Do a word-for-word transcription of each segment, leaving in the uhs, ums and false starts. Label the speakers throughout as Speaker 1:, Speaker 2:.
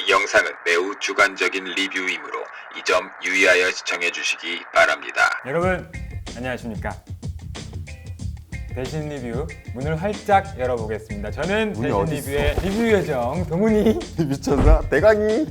Speaker 1: 이 영상은 매우 주관적인 리뷰이므로 이 점 유의하여 시청해 주시기 바랍니다.
Speaker 2: 여러분 안녕하십니까. 대신 리뷰 문을 활짝 열어보겠습니다. 저는 대신
Speaker 3: 어딨어?
Speaker 2: 리뷰의 리뷰 요정 동훈이.
Speaker 3: 미쳤나? 대강이.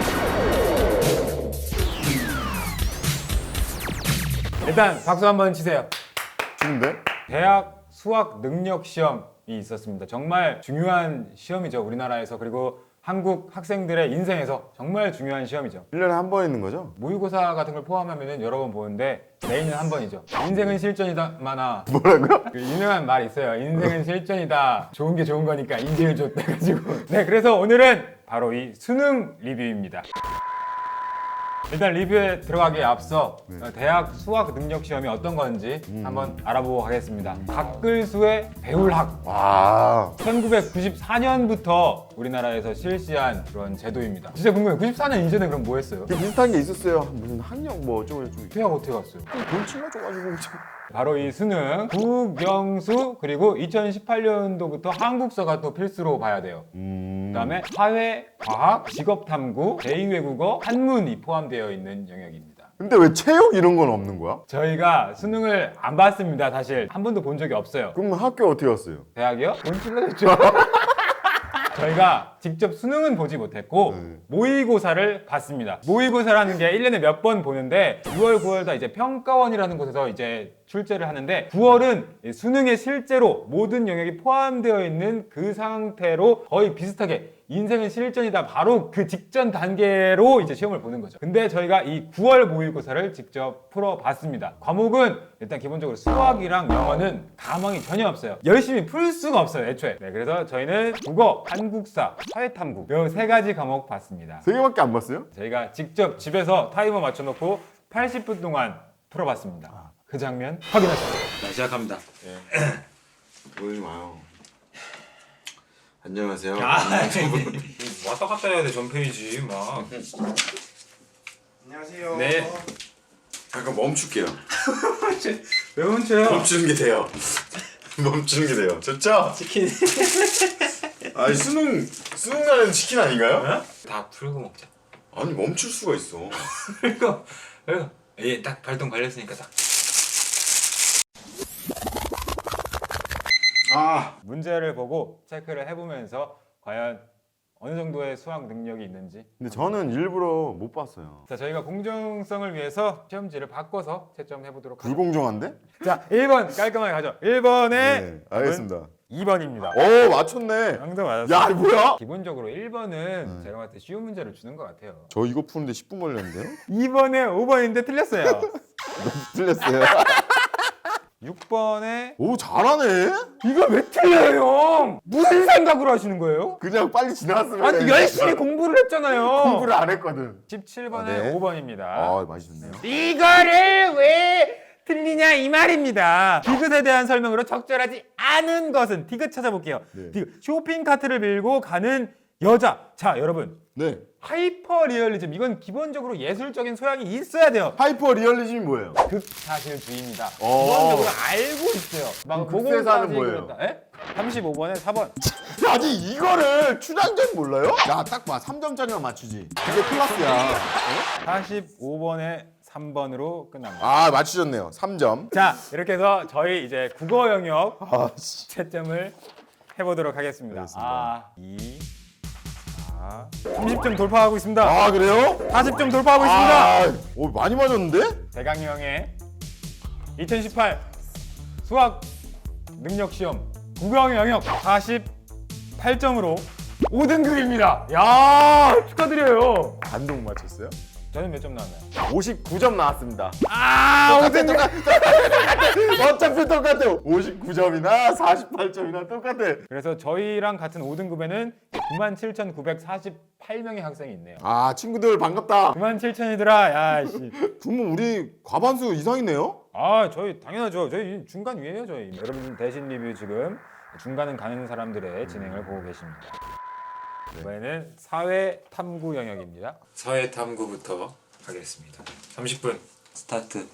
Speaker 2: 일단 박수 한번 치세요.
Speaker 3: 좋은데?
Speaker 2: 대학 수학 능력 시험이 있었습니다. 정말 중요한 시험이죠, 우리나라에서. 그리고 한국 학생들의 인생에서 정말 중요한 시험이죠.
Speaker 3: 일 년에 한 번 있는 거죠?
Speaker 2: 모의고사 같은 걸 포함하면 여러 번 보는데 매인은 한 번이죠. 인생은 실전이다마나
Speaker 3: 뭐라고요?
Speaker 2: 그 유명한 말이 있어요. 인생은 실전이다. 좋은 게 좋은 거니까 인생을 줬다 가지고. 네, 그래서 오늘은 바로 이 수능 리뷰입니다. 일단 리뷰에 들어가기에 앞서
Speaker 3: 네.
Speaker 2: 대학 수학 능력 시험이 어떤 건지 한번 알아보고 가겠습니다. 박글수의 배울학.
Speaker 3: 와.
Speaker 2: 천구백구십사 년부터 우리나라에서 실시한 그런 제도입니다. 진짜 궁금해요. 구십사 년 이전에 그럼 뭐 했어요?
Speaker 3: 그 비슷한 게 있었어요. 무슨 학력 뭐 어쩌고 저쩌고.
Speaker 2: 대학 어떻게 갔어요?
Speaker 3: 돈 치러줘가지고.
Speaker 2: 바로 이 수능 국영수, 그리고 이천십팔 년도부터 한국사가 또 필수로 봐야 돼요.
Speaker 3: 음.
Speaker 2: 그다음에 사회, 과학, 직업탐구, 제이 외국어, 한문이 포함되어 있는 영역입니다.
Speaker 3: 근데 왜 체육 이런 건 없는 거야?
Speaker 2: 저희가 수능을 안 봤습니다. 사실 한 번도 본 적이 없어요.
Speaker 3: 그럼 학교 어떻게 갔어요?
Speaker 2: 대학이요? 돈 찔러줬죠. 저희가 직접 수능은 보지 못했고
Speaker 3: 네.
Speaker 2: 모의고사를 봤습니다. 모의고사라는 게 일 년에 몇 번 보는데 유월, 구월 다 이제 평가원이라는 곳에서 이제 출제를 하는데 구월은 수능에 실제로 모든 영역이 포함되어 있는 그 상태로 거의 비슷하게 인생은 실전이다, 바로 그 직전 단계로 이제 시험을 보는 거죠. 근데 저희가 이 구월 모의고사를 직접 풀어봤습니다. 과목은 일단 기본적으로 수학이랑 영어는 가망이 전혀 없어요. 열심히 풀 수가 없어요, 애초에. 네, 그래서 저희는 국어, 한국사, 사회탐구 이 세 가지 과목 봤습니다.
Speaker 3: 세 개밖에 안 봤어요?
Speaker 2: 저희가 직접 집에서 타이머 맞춰놓고 팔십 분 동안 풀어봤습니다. 그 장면 확인하시죠.
Speaker 4: 자, 시작합니다.
Speaker 3: 보이지 마요. 안녕하세요.
Speaker 2: 왔다 갔다 해야 돼, 전페이지 막.
Speaker 3: 안녕하세요.
Speaker 2: 네.
Speaker 3: 잠깐 멈출게요.
Speaker 2: 왜 멈춰요?
Speaker 3: 멈추는 게 돼요. 멈추는 게 돼요. 좋죠?
Speaker 4: 치킨.
Speaker 3: 아니 수능 수능 날에는 치킨 아닌가요?
Speaker 4: 다 풀고 먹자.
Speaker 3: 아니 멈출 수가 있어.
Speaker 4: 그리고 그리고 얘딱 발동 걸렸으니까 딱.
Speaker 3: 아.
Speaker 2: 문제를 보고 체크를 해보면서 과연 어느 정도의 수학 능력이 있는지.
Speaker 3: 근데 저는 일부러 못 봤어요.
Speaker 2: 자, 저희가 공정성을 위해서 시험지를 바꿔서 채점해보도록 하죠.
Speaker 3: 불공정한데?
Speaker 2: 자, 일 번 깔끔하게 가죠. 일 번에
Speaker 3: 네, 알겠습니다.
Speaker 2: 이 번입니다.
Speaker 3: 오 맞췄네.
Speaker 2: 항상 맞았어요.
Speaker 3: 야, 이거 뭐야?
Speaker 2: 기본적으로 일 번은 제가 봤을 때 쉬운 문제를 주는 것 같아요.
Speaker 3: 저 이거 푸는데 십 분 걸렸는데요?
Speaker 2: 이 번에 오 번인데 틀렸어요.
Speaker 3: 틀렸어요.
Speaker 2: 육 번에
Speaker 3: 오 잘하네.
Speaker 2: 이거 왜 틀려요, 형? 무슨 생각으로 하시는 거예요?
Speaker 3: 그냥 빨리 지나갔으면.
Speaker 2: 아니,
Speaker 3: 되니까.
Speaker 2: 열심히 공부를 했잖아요.
Speaker 3: 공부를 안 했거든.
Speaker 2: 십칠 번에
Speaker 3: 아, 네.
Speaker 2: 오 번입니다.
Speaker 3: 아 맛있네요.
Speaker 2: 이거를 왜 틀리냐 이 말입니다. 디귿에 대한 설명으로 적절하지 않은 것은, 디귿 찾아볼게요.
Speaker 3: 네.
Speaker 2: 디귿. 쇼핑 카트를 밀고 가는 여자. 자, 여러분,
Speaker 3: 네.
Speaker 2: 하이퍼 리얼리즘, 이건 기본적으로 예술적인 소양이 있어야 돼요.
Speaker 3: 하이퍼 리얼리즘이 뭐예요?
Speaker 2: 극사실주의입니다.
Speaker 3: 어.
Speaker 2: 기본적으로 알고 있어요. 막
Speaker 3: 그럼 극세사는 뭐예요?
Speaker 2: 삼십오 번에 사 번.
Speaker 3: 아니 이거를 춘향전 몰라요? 야 딱 봐. 삼 점짜리만 맞추지. 그게 클라스야.
Speaker 2: 사십오 번에 삼 번으로 끝납니다.
Speaker 3: 아 맞추셨네요. 삼 점.
Speaker 2: 자, 이렇게 해서 저희 이제 국어 영역
Speaker 3: 아 씨.
Speaker 2: 채점을 해보도록 하겠습니다.
Speaker 3: 알겠습니다.
Speaker 2: 아, 이, 사, 삼십 점 돌파하고 있습니다.
Speaker 3: 아 그래요?
Speaker 2: 사십 점 돌파하고 있습니다.
Speaker 3: 아, 오 많이 맞았는데?
Speaker 2: 대강이 형의 이천십팔 수학 능력 시험 국어 영역 사십팔 점으로 오 등급입니다. 야, 축하드려요.
Speaker 3: 반동 맞췄어요?
Speaker 2: 저는 몇 점 나왔나요?
Speaker 3: 오십구 점 나왔습니다.
Speaker 2: 아, 오 등급.
Speaker 3: 어차피 똑같아요. 오십구 점이나 사십팔 점이나 똑같아.
Speaker 2: 그래서 저희랑 같은 오 등급에는 구만 칠천구백사십팔 명의 학생이 있네요.
Speaker 3: 아 친구들 반갑다.
Speaker 2: 구만 칠천이더라. 야, 씨.
Speaker 3: 그러면 우리 과반수 이상이네요?
Speaker 2: 아, 저희 당연하죠. 저희 중간 위에요, 저희. 여러분 대신 리뷰 지금 중간은 가는 사람들의 진행을 보고 계십니다. 이번에는 사회 탐구 영역입니다.
Speaker 4: 사회 탐구부터 하겠습니다. 삼십 분 스타트.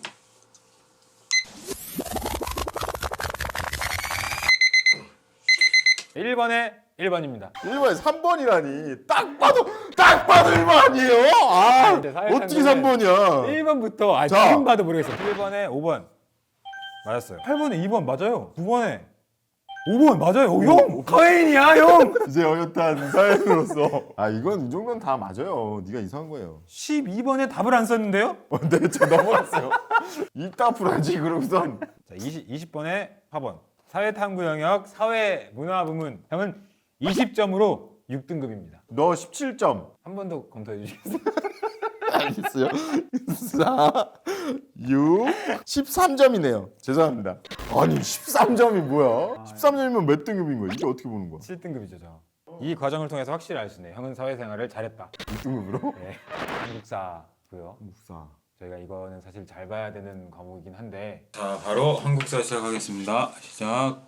Speaker 2: 일 번에 일 번입니다.
Speaker 3: 일 번에 삼 번이라니. 딱 봐도 딱 봐도 일 번 아니에요? 아,
Speaker 2: 근데 사회상담은
Speaker 3: 어떻게 삼 번이야?
Speaker 2: 일 번부터 아
Speaker 3: 자.
Speaker 2: 지금 봐도 모르겠어요. 일 번에 오 번 맞았어요. 팔 번에 이 번 맞아요. 구 번에 오 번 맞아요. 오, 형 카웨인이야 형.
Speaker 3: 이제 어엿한 사연으로서 아 이건 이 정도는 다 맞아요. 네가 이상한 거예요.
Speaker 2: 십이 번에 답을 안 썼는데요?
Speaker 3: 어, 네, 저 넘어갔어요. 이따 풀어야지 그러고선.
Speaker 2: 자, 이십, 이십 번에 사 번 사회탐구 영역 사회문화 부문 형은 이십 점으로 육 등급입니다.
Speaker 3: 너 십칠 점.
Speaker 2: 한 번 더 검토해 주시겠어요?
Speaker 3: 알겠어요. 사, 육, 십삼 점이네요. 죄송합니다. 아니 십삼 점이 뭐야? 십삼 점이면 몇 등급인 거야? 이게 어떻게 보는 거야?
Speaker 2: 칠 등급이죠, 저. 이 과정을 통해서 확실히 알 수 있네요. 형은 사회생활을 잘했다.
Speaker 3: 육 등급으로?
Speaker 2: 네. 한국사고요.
Speaker 3: 묵사.
Speaker 2: 저희가 이거는 사실 잘 봐야 되는 과목이긴 한데
Speaker 4: 자, 바로 한국사 시작하겠습니다. 시작.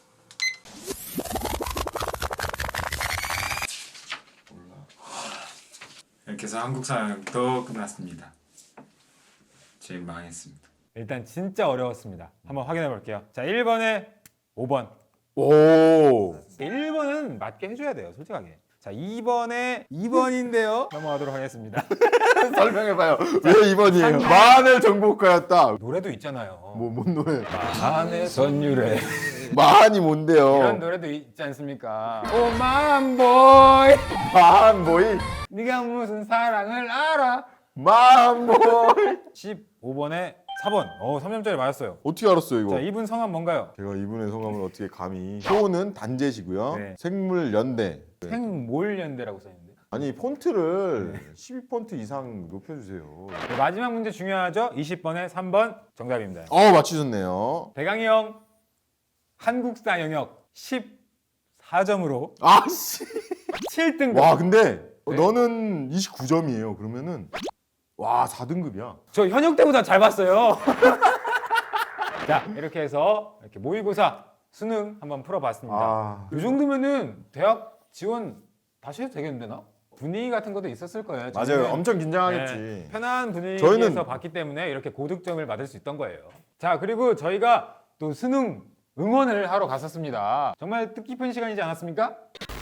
Speaker 4: 이렇게 해서 한국사 영역도 끝났습니다. 지금 망했습니다.
Speaker 2: 일단 진짜 어려웠습니다. 한번 확인해 볼게요. 자, 일 번에 오 번.
Speaker 3: 오.
Speaker 2: 일 번은 맞게 해줘야 돼요, 솔직하게. 자, 이 번에 이 번인데요. 넘어가도록 하겠습니다.
Speaker 3: 설명해봐요. 왜 이 번이에요? 마늘 정보과였다.
Speaker 2: 노래도 있잖아요.
Speaker 3: 뭐 뭔 노래?
Speaker 2: 마음의 선율에
Speaker 3: 마한이
Speaker 2: 이런
Speaker 3: 뭔데요?
Speaker 2: 노래도 있지 않습니까? 오 만보이
Speaker 3: 마한 보이.
Speaker 2: 네가 무슨 사랑을 알아.
Speaker 3: 마한 보이.
Speaker 2: 십오 번에 사 번. 어, 삼 점짜리 맞았어요.
Speaker 3: 어떻게 알았어요 이거?
Speaker 2: 자, 이분 성함 뭔가요?
Speaker 3: 제가 이분의 성함을 어떻게 감히? 호는 단제시고요.
Speaker 2: 네.
Speaker 3: 생물연대.
Speaker 2: 생몰연대라고 써있는데.
Speaker 3: 아니 폰트를 십이 폰트 이상 높여주세요.
Speaker 2: 네, 마지막 문제 중요하죠? 이십 번에 삼 번 정답입니다.
Speaker 3: 어 맞추셨네요.
Speaker 2: 대강이 형 한국사 영역 십사 점으로
Speaker 3: 아씨.
Speaker 2: 칠 등급.
Speaker 3: 와 근데
Speaker 2: 네.
Speaker 3: 너는 이십구 점이에요. 그러면은 와 사 등급이야.
Speaker 2: 저 현역 때보다 잘 봤어요. 자, 이렇게 해서 이렇게 모의고사 수능 한번 풀어봤습니다.
Speaker 3: 아.
Speaker 2: 이 정도면은 대학 지원 다시 해도 되겠는데 나? 분위기 같은 것도 있었을 거예요.
Speaker 3: 맞아요.
Speaker 2: 저희는
Speaker 3: 엄청 긴장하겠지.
Speaker 2: 네, 편한 분위기에서
Speaker 3: 저희는-
Speaker 2: 봤기 때문에 이렇게 고득점을 받을 수 있던 거예요. 자, 그리고 저희가 또 수능 응원을 하러 갔었습니다. 정말 뜻깊은 시간이지 않았습니까?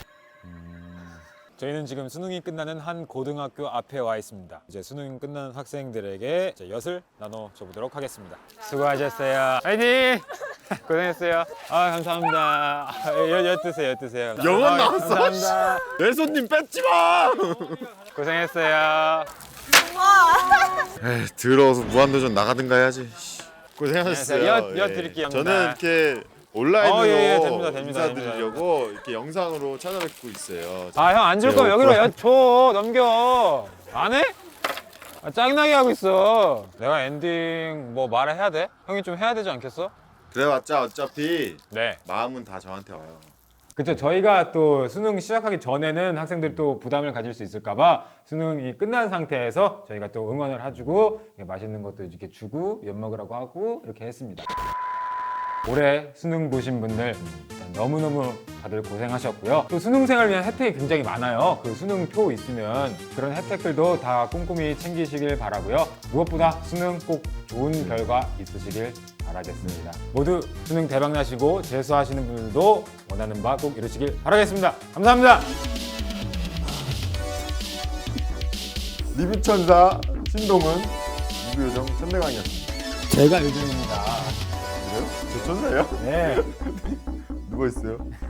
Speaker 2: 저희는 지금 수능이 끝나는 한 고등학교 앞에 와 있습니다. 이제 수능 끝난 학생들에게 이제 엿을 나눠줘 보도록 하겠습니다. 수고하셨어요. 화이팅! 고생했어요. 아, 감사합니다. 아, 엿, 엿 드세요, 엿 드세요.
Speaker 3: 영원
Speaker 2: 아,
Speaker 3: 나왔어.
Speaker 2: 감사합니다.
Speaker 3: 내 손님 뺏지 마.
Speaker 2: 고생했어요.
Speaker 3: 에이, 들어서 무한도전 나가든가 해야지. 고생하셨어요.
Speaker 2: 네, 엿- 엿 드릴게요.
Speaker 3: 저는 이렇게 온라인으로
Speaker 2: 어, 예, 예, 됩니다, 됩니다,
Speaker 3: 인사드리려고 이렇게 영상으로 찾아뵙고 있어요.
Speaker 2: 아, 형 안 줄 거면
Speaker 3: 네,
Speaker 2: 여기로 엿 줘. 넘겨. 안 해? 아, 짜증나게 하고 있어. 내가 엔딩 뭐 말을 해야 돼? 형이 좀 해야 되지 않겠어?
Speaker 3: 그래봤자 어차피
Speaker 2: 네.
Speaker 3: 마음은 다 저한테 와요.
Speaker 2: 그렇죠. 저희가 또 수능 시작하기 전에는 학생들이 또 부담을 가질 수 있을까봐 수능이 끝난 상태에서 저희가 또 응원을 해주고 이렇게 맛있는 것도 이렇게 주고 엿 먹으라고 하고 이렇게 했습니다. 올해 수능 보신 분들 일단 너무너무 다들 고생하셨고요. 또 수능생활 위한 혜택이 굉장히 많아요. 그 수능표 있으면 그런 혜택들도 다 꼼꼼히 챙기시길 바라고요. 무엇보다 수능 꼭 좋은 결과 있으시길 바라겠습니다. 모두 수능 대박 나시고 재수하시는 분들도 원하는 바 꼭 이루시길 바라겠습니다. 감사합니다.
Speaker 3: 리뷰천사 신동은 리뷰요정 천대강이었습니다.
Speaker 2: 제가 요즘입니다.
Speaker 3: 그래요? 저 천사예요?
Speaker 2: 네.
Speaker 3: 누가 있어요?